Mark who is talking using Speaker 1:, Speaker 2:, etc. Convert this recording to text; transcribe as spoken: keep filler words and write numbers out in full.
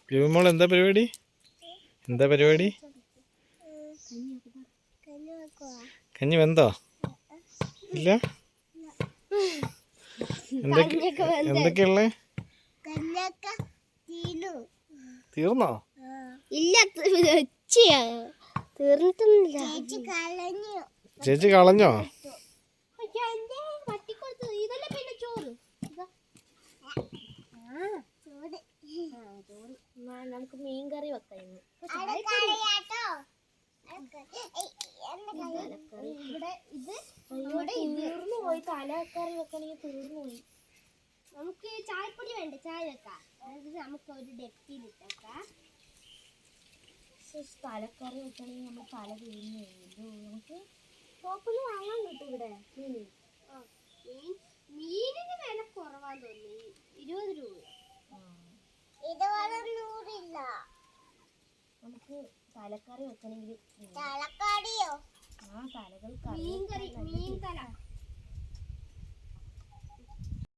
Speaker 1: മോൾ എന്താ പരിപാടി? എന്താ പരിപാടി? കഞ്ഞി വെന്തോ? ഇല്ല. എന്തൊക്കെയുള്ളേ? തീർന്നോ?
Speaker 2: ഇല്ല, തീർന്നിട്ടൊന്നുമില്ല.
Speaker 1: ചേച്ചി കളഞ്ഞോ?
Speaker 2: നമുക്ക് മീൻ കറി വെക്കാം. തീർന്നു പോയി. തലക്കറി വെക്കണമെങ്കിൽ തീർന്നു പോയി. നമുക്ക് ചായപ്പൊടി വേണ്ട, ചായ വെക്കാം. നമുക്ക് ഒരു ഡെപ്പിലിട്ടേക്കാം. തലക്കറി വെക്കണമെങ്കിൽ നമ്മൾ തല തീർന്നു പോയല്ലോ. നമുക്ക് ഷോപ്പിൽ വാങ്ങാൻ കിട്ടും ഇവിടെ മീൻ. മീൻ മീനിന് വില കുറവാന്ന് തോന്നി, ഇരുപത് രൂപ. നൂറില്ല. നമുക്ക് തലക്കറി വെക്കണമെങ്കിൽ തലക്കറിയോ? ആ, തലകൾ മീൻ കറി, മീൻ തല